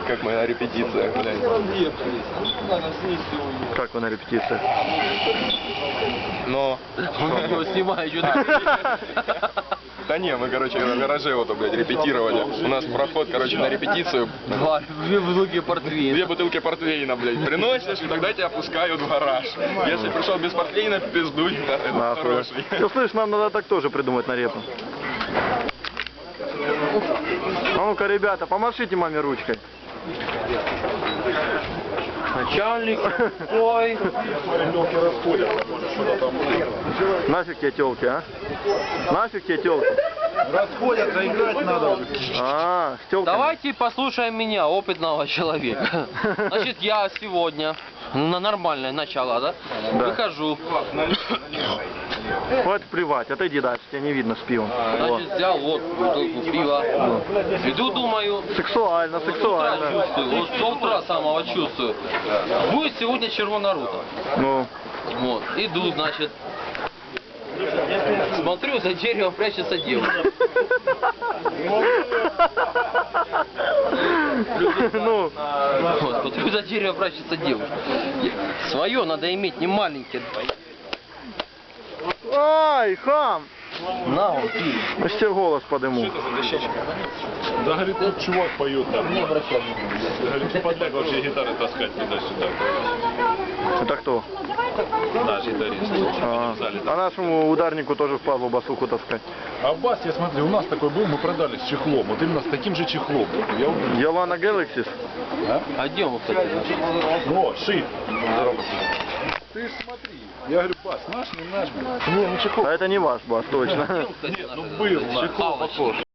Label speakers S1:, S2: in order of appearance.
S1: как мы на репетициях, блядь.
S2: Как вы на репетициях?
S1: Но...
S3: Он его снимает, что-то.
S1: Да не, мы, короче, в гараже вот, блядь, репетировали. У нас проход, короче, на репетицию.
S3: Две бутылки портвейна.
S1: 2 бутылки портвейна, блядь, приносишь, и тогда тебя пускают в гараж. Если пришел без портвейна, пиздуй, это хороший.
S2: Ты слышишь, нам надо так тоже придумать на репу. А ну-ка, ребята, помашите маме ручкой.
S3: Начальник, ой.
S2: Нафиг тебе телки, а? Нафиг тебе телки?
S4: Расходятся, играть надо.
S2: А, с телками.
S3: Давайте послушаем меня, опытного человека. Значит, я сегодня, на нормальное начало, да?
S2: Да.
S3: Выхожу.
S2: Хватит плевать, отойди дальше, тебя не видно с пивом.
S3: Значит, взял вот бутылку пива. Иду, думаю,
S2: Сексуально,
S3: утра
S2: сексуально.
S3: чувствую, вот с утра самого чувствую. Будет сегодня Червона рута.
S2: Ну,
S3: Вот, иду, значит. Смотрю, за деревом прячется девушка.
S2: ну,
S3: Вот, смотрю, за деревом прячется девушка. Свое надо иметь, не маленькие.
S2: ай, хам!
S3: На, он пил.
S2: Я ж тебе голос подыму.
S4: Да, говорит, тут чувак поет там.
S3: Не обращай.
S4: Говорит, подлег вообще гитары таскать туда-сюда.
S2: Это кто?
S4: Наш гитарист.
S2: А нашему ударнику тоже впадло басуху таскать.
S4: А бас, я смотрю, у нас такой был, мы продали с чехлом. Вот именно с таким же чехлом. Я уверен.
S2: Елана Galaxy.
S3: А где он, кстати?
S4: О, шип. Ты ж смотри. Я говорю, бас, наш, не наш. Не, ну чехол.
S2: А это не ваш бас, точно.
S3: Кстати,
S4: Нет, ну был, чехол похож.